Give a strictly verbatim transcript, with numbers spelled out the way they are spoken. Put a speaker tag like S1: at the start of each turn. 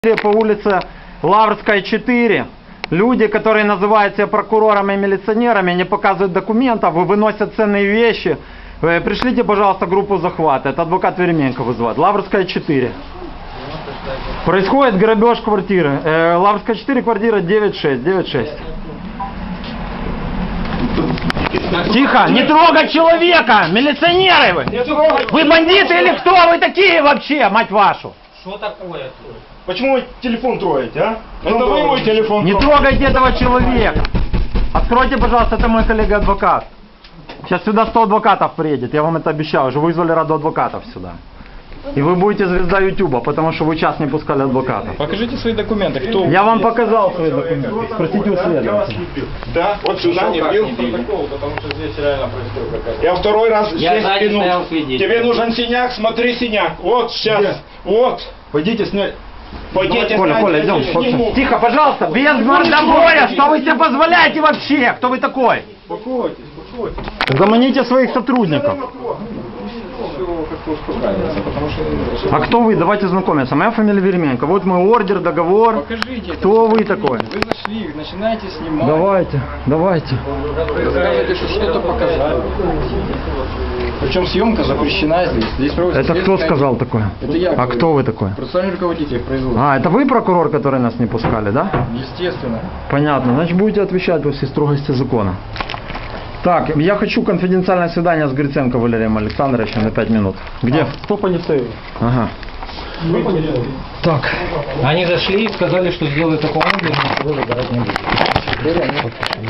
S1: По улице Лаврская, четыре. Люди, которые называют себя прокурорами и милиционерами, не показывают документов, выносят ценные вещи. Пришлите, пожалуйста, группу захвата. Это адвокат Веременко вызывает. Лаврская, четыре. Происходит грабеж квартиры. Э, Лаврская, четыре, квартира девять шесть. девять шесть. Тихо, не трогать человека! Милиционеры вы! Вы бандиты или кто вы такие вообще, мать вашу?
S2: Что такое?
S3: Почему вы телефон трогаете, а? Это вы мой телефон
S1: Не трогайте этого человека. Откройте, пожалуйста, это мой коллега-адвокат. Сейчас сюда сто адвокатов приедет, я вам это обещаю. Уже вызвали раду адвокатов сюда. И вы будете звезда Ютуба, потому что вы час не пускали адвокатов.
S4: Покажите свои документы. Кто?
S1: Я вам показал свои документы. Спросите у следователя.
S3: Да, вот сюда не бил.
S4: Потому что здесь реально происходит какая-то...
S3: Я второй раз
S2: Я
S3: здесь
S2: сзади
S3: пинул.
S2: стоял свидетелем.
S3: Тебе нужен синяк, смотри синяк. Вот сейчас. Вот.
S4: Пойдите снять.
S3: Пойдите,
S1: Коля,
S3: снять,
S1: Коля,
S3: я
S1: идем.
S3: тебе сниму.
S1: Тихо, пожалуйста, без мордобоя. Что вы себе позволяете вообще? Кто вы такой?
S4: Успокойтесь, успокойтесь.
S1: Заманите своих сотрудников.
S4: Все как-то успокаивается, потому что...
S1: А кто вы? Давайте знакомиться. Моя фамилия Веременко. Вот мой ордер, договор.
S4: Покажите.
S1: Кто
S4: это,
S1: вы такой?
S4: Вы зашли, начинаете снимать.
S1: Давайте, давайте.
S4: Рассказываете, что что-то показали. Причем съемка запрещена здесь. Здесь проводится
S1: Это кто
S4: следственное-
S1: сказал такое?
S4: Это я.
S1: А
S4: говорю.
S1: кто вы такой?
S4: Процессуальный руководитель производства.
S1: А, это вы прокурор, который нас не пускали, да?
S4: Естественно.
S1: Понятно. Значит, будете отвечать во всей строгости закона. Так, я хочу конфиденциальное свидание с Гриценко Валерием Александровичем на пять минут. Где?
S4: Стоп, не стоит.
S1: Ага. Так.
S2: Они зашли и сказали, что сделают такого образа, что вы выбирать не будете.